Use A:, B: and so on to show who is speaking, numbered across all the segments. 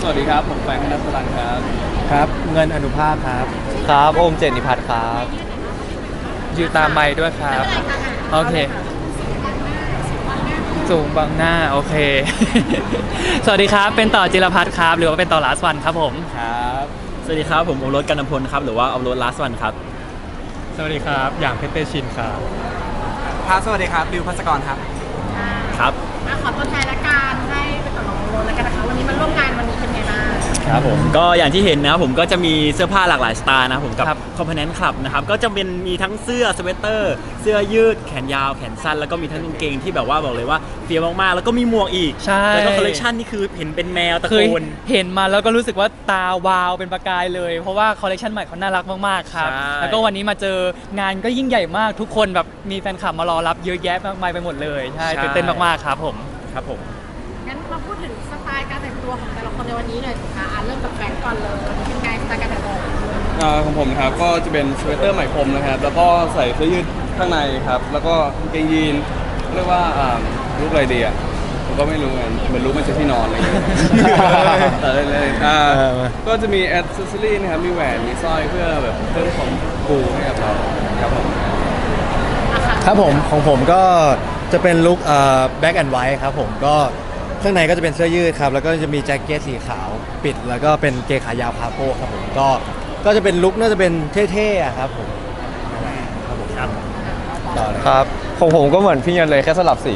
A: วัสดีครับผมแฟรงค์นัสรันครับ
B: ครับเงินอนุภาพครับ
C: ครับโอมเจนนิพัฒน์ครับ
D: อยู่ตามไมค์ด้วยครับโอเคสูงบังหน้าโอเค สวัสดีครับเป็นต่อจิรพัฒน์ครับหรือว่าเป็นต่อลาสวันครับผม
A: ครับ
C: สวัสดีครับผมโอรสกันพลครับหรือว่าโอรสลาสวันครับ
D: สวัสดีครับอย่างเพชรเตชินครับ
B: ครับสวัสดีครับบิวภัสกรครับ
C: ครับ
E: ขอตัวแทนละกันให้เป็นต่อรองแล้วกันนะคะวันนี้มาร่วมงานวันนี้เป็นไงบ้าง
C: ครับผมก็อย่างที่เห็นนะครับผมก็จะมีเสื้อผ้าหลากหลายสไตล์นะครับผมกับคอมโพเนนต์คลับนะครับก็จะเป็นมีทั้งเสื้อสเวตเตอร์เสื้อยืดแขนยาวแขนสั้นแล้วก็มีทั้งกางเกงที่แบบว่าบอกเลยว่าเฟี้ยวมากๆแล้วก็มีหมวกอีก
D: ใช่
C: แล้วก็คอลเลคชันนี่คือเห็นเป็นแมวตะโกน
D: เห็นมาแล้วก็รู้สึกว่าตาวาวเป็นประกายเลยเพราะว่าคอลเลคชันใหม่เขาน่ารักมากๆครับแล้วก็วันนี้มาเจองานก็ยิ่งใหญ่มากทุกคนแบบมีแฟนคลับมารอรับเยอะแยะมากมายไปหมดเลยใช่ตื่นเต้นมากๆครับผม
E: งั้นมาพูดถึงสไตล์การแต่งตัวของแต่ละคนในวันนี้หน่อยค่ะเริ่มจากแฟรงก์ก่อนเลยเป็นไงสไตล์การแต่งตัว
A: ของผมครับก็จะเป็นสเวตเตอร์ไหมพรมนะครับแล้วก็ใส่เสื้อยืดข้างในครับแล้วก็กางเกงยีนเรียกว่าลุคอะไรดีอ่ะผมก็ไม่รู้เหมือนลุคมันจะที่นอนอะไรอย่างเงี้ยแต่เลยก็จะมีแอคเซสซอรี่นะครับมีแหวนมีสร้อยเพื่อแบบเพิ่มความคูลให้กับเราครับผม
B: ครับผมของผมก็จะเป็นลุคแบ็กแอนด์ไวท์ครับผมก็ข้างในก็จะเป็นเสื้อยืดครับแล้วก็จะมีแจ็คเก็ตสีขาวปิดแล้วก็เป็นเกงขายาวคาโก้ครับผมก็จะเป็นลุคน่าจะเป็นเท่ๆครับผม
C: ครับ
B: ต่อเลย
C: ครับของผมก็เหมือนพี่ยันเลยแค่สลับสี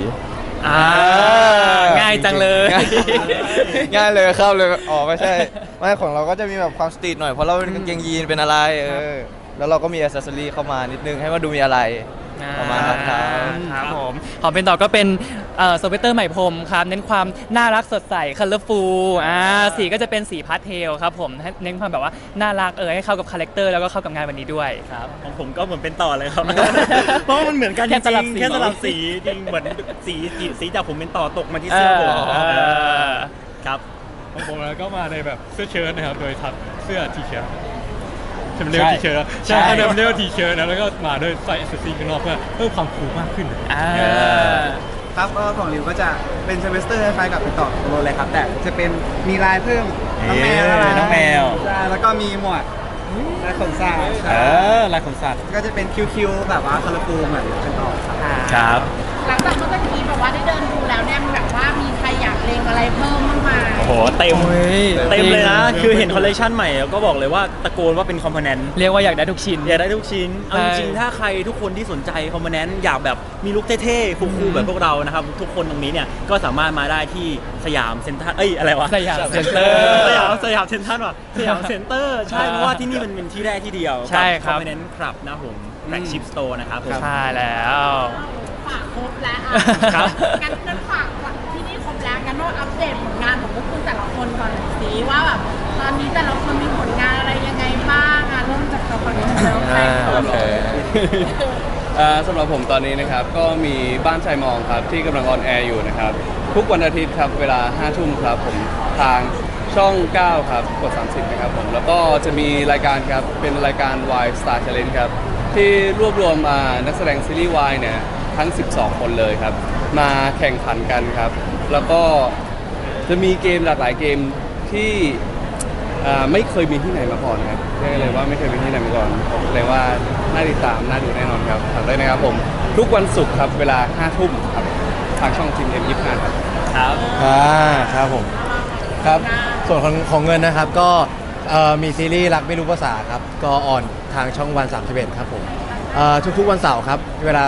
D: ง่ายจังเลย
C: ง่ายเลยเข้าเลยอ๋อไม่ใช่ไม่ของเราก็จะมีแบบความสตรีทหน่อยเพราะเราเป็นกางเกงยีนเป็นอะไรแล้วเราก็มีอ c เซสซอรี่เข้ามานิดนึงให้มันดูมีอะไรประมาณนั้น
D: ครับผมของเป็นต่อก็เป็นสเวตเตอร์ไหมพรมครับเน้นความน่ารักสดใสคัลเลอร์ฟูลสีก็จะเป็นสีพาสเทลครับผมเน้นความแบบว่าน่ารักให้เข้ากับคาแรคเตอร์แล้วก็เข้ากับงานวันนี้ด้วยครับ
C: ของผมก็เหมือนเป็นต่อเลยครับเพราะมันเหมือนกันแค่สลับสีจริงเหมือนสีจากผมเป็นต่อตกมาที่เสื้อผมครับ
D: ของผมแล้วก็มาในแบบเสื้อเชิ้ตนะครับโดยทับเสื้อทีเชิ้ตเรียกว่าทีเชิ้ตใช่เรียกว่าทีเชิ้ตนะแล้วก็มาด้วยใส่เอสซีข้างนอกเพื่อเพิ่มความคูลมากขึ้น
F: ครับก็ของริวก็จะเป็นเซเวสเตอร์คล้ายกับเป็นต่อโรเลยครับแต่จะเป็นมีลายเพิ่มน้องแมวแล้วก็มีหมวดลายขนสัตว์
D: ลายขนสัตว์
F: ก็จะเป็นคิวๆแบบว่าคาราฟูเหมือนเป็นต่อ
C: ครับ
E: หลังจากเมื่อกี้แบบว่าได้เดินดูแล้วเนี่ยแบบว่ามีใครอยากเลงอะไรเพิ่มบ้างไหม
C: โอ้โหเต็มเลยนะคือเห็นคอลเลคชันใหม่ก็บอกเลยว่าตะโกนว่าเป็นคอมโพเนนต์
D: เรียกว่าอยากได้ทุกชิ้น
C: เอาจริงๆถ้าใครทุกคนที่สนใจคอมโพเนนต์อยากแบบมีลุคเท่ๆคูลๆแบบพวกเรานะครับทุกคนตรงนี้เนี่ยก็สามารถมาได้ที่สยามเซ็นทรัลอะไรวะ
D: สยามเซ็นเตอร์
C: สยามเซ็นทรัลว่ะสยามเซ็นเตอร์ใช่เพราะว่าที่นี่มันเป็นที่แรกที่เดียว
D: ใช่ครับ
C: คอมโพเนนต์ครับนะผมแฟลกชิพสโตร์นะครับ
D: ใช่แล้ว
E: ฝากครบแล้วงั้นฝากที่นี่ครบแล้วงั้นว่าอัปเดตผลงานของพวกคุณแต่ละคนก่อนหน่อยสิว่าแบบตอนนี้แต่ละคนมีผลงานอะไรยังไงบ้างเริ่มจากตัวคนนี้แล้วใครก่อน
A: สำหรับผมตอนนี้นะครับก็มีบ้านชายมองครับที่กำลังออนแอร์อยู่นะครับทุกวันอาทิตย์ครับเวลา 5 ทุ่มครับผมทางช่อง 9 ครับกด 30 นะครับผมแล้วก็จะมีรายการครับเป็นรายการ Y Star Challenge ครับที่รวบรวมนักแสดงซีรีส์ Y เนี่ยทั้ง 12 คนเลยครับมาแข่งขันกันครับแล้วก็จะมีเกมหลากหลายเกมที่ไม่เคยมีที่ไหนมาก่อนครับเรียกเลยว่าไม่เคยมีที่ไหนมาก่อนเลยว่าน่าติดตามน่าดูแน่นอนครับฝากด้วยนะครับผมทุกวันศุกร์ครับเวลา 5 ทุ่มครับทางช่องทีมM25ครับ
B: ครับผมครับส่วนของเงินนะครับก็มีซีรีส์รักไม่รู้ภาษาครับก็ออนทางช่องวัน31ครับผมทุกวันเสาร์ครับเวลา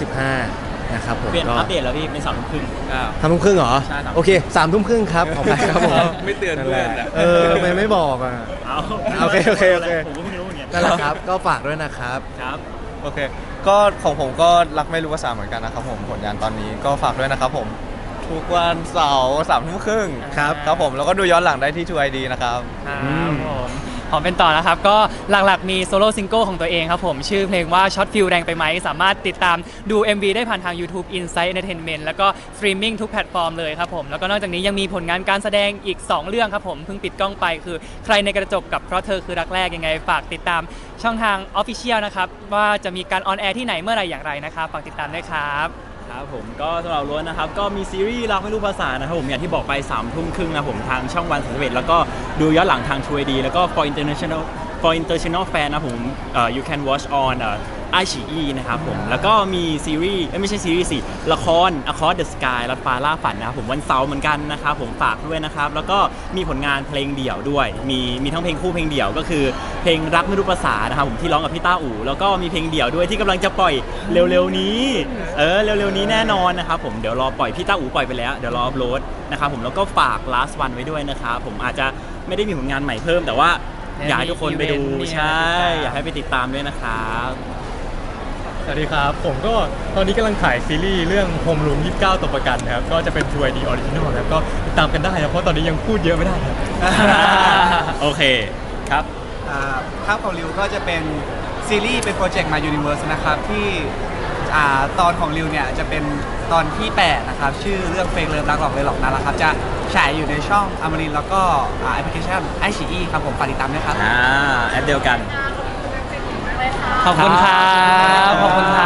B: 3:15 นะครับผม
C: เปลี่ยนอัปเดตแล้วพี่เป็น 3:30
B: 3:30เหรอโอเค 3:30ครับขอบคุณครับผม
A: ไม่เตือนเพื่อน
B: ไม่บอกโอเค
C: ผมก็ไม่รู้อย่างเงี้ย
B: นั่นแหละครับก็ฝากด้วยนะครับ
C: ครับ
G: โอเคก็ของผมก็รักไม่รู้ภาษาเหมือนกันนะครับผมผลงานตอนนี้ก็ฝากด้วยนะครับผมทุกวันเสาร์3:30ครับผมแล้วก็ดูย้อนหลังได้ที่ 2ID นะครับ
D: ผมเป็นต่อนะครับก็หลักๆมีโซโล่ซิงเกิลของตัวเองครับผมชื่อเพลงว่าช็อตฟิลแรงไปไหมสามารถติดตามดู MV ได้ผ่านทาง YouTube Insight Entertainment แล้วก็สตรีมมิ่งทุกแพลตฟอร์มเลยครับผมแล้วก็นอกจากนี้ยังมีผลงานการแสดงอีก2เรื่องครับผมเพิ่งปิดกล้องไปคือใครในกระจกกับเพราะเธอคือรักแรกยังไงฝากติดตามช่องทาง Official นะครับว่าจะมีการออนแอร์ที่ไหนเมื่อไหร่อย่างไรนะครับฝากติดตามด้วยครับ
C: ครับผมก็สำหรับล้วนนะครับก็มีซีรีส์รักไม่รู้ภาษานะครับผมอย่างที่บอกไป3 ทุ่มครึ่งนะผมทางช่องวัน31แล้วก็ดูย้อนหลังทาง True ID แล้วก็ for international fan นะผมyou can watch on iQIYI นะครับผมแล้วก็มีซีรีส์ไม่ใช่ซีรีส์สิละคร Across the Sky ลัดฟ้าล่าฝันนะครับผมวันเสาร์เหมือนกันนะครับผมฝากด้วยนะครับแล้วก็มีผลงานเพลงเดี่ยวด้วยมีทั้งเพลงคู่เพลงเดี่ยวก็คือเพลงรักไม่รู้ภาษานะครับผมที่ร้องกับพี่ต้าอู่แล้วก็มีเพลงเดี่ยวด้วยที่กำลังจะปล่อยเร็วๆนี้เร็วๆนี้แน่นอนนะครับผมเดี๋ยวรอปล่อยพี่ต้าอู่ปล่อยไปแล้วเดี๋ยวรออัพโหลดนะครับผมแล้วก็ฝาก last one ไว้ด้วยนะครับผมอาจจะไม่ได้มีผลงานใหม่เพิ่มแต่ว่าอยากให้ทุกคนไปดูใช่อยากให้ไปติดตามด้วยนะครับ
H: สวัสดีครับ ผมก็ตอนนี้กำลังถ่ายซีรีส์เรื่อง Home Room 29 ตัวประกันนะครับ ก็จะเป็น True ID Original นะครับก็ติดตามกันได้นะเพราะตอนนี้ยังพูดเยอะไม่ได้ครับ
C: โอเคครับ
F: ภาพของริวก็จะเป็นซีรีส์เป็นโปรเจกต์ My Universe นะครับที่ตอนของริวเนี่ยจะเป็นตอนที่ 8 นะครับ ชื่อเรื่องเฟกเลิฟรักหลอกเลยหลอกนะครับ จะฉายอยู่ในช่องอมรินทร์แล้วก็แอปพลิเคชัน iQIYI ครับผมฝากติดตามด้วยครับ
C: แอปเดียวกัน
D: ขอบคุณครับ ขอบคุณค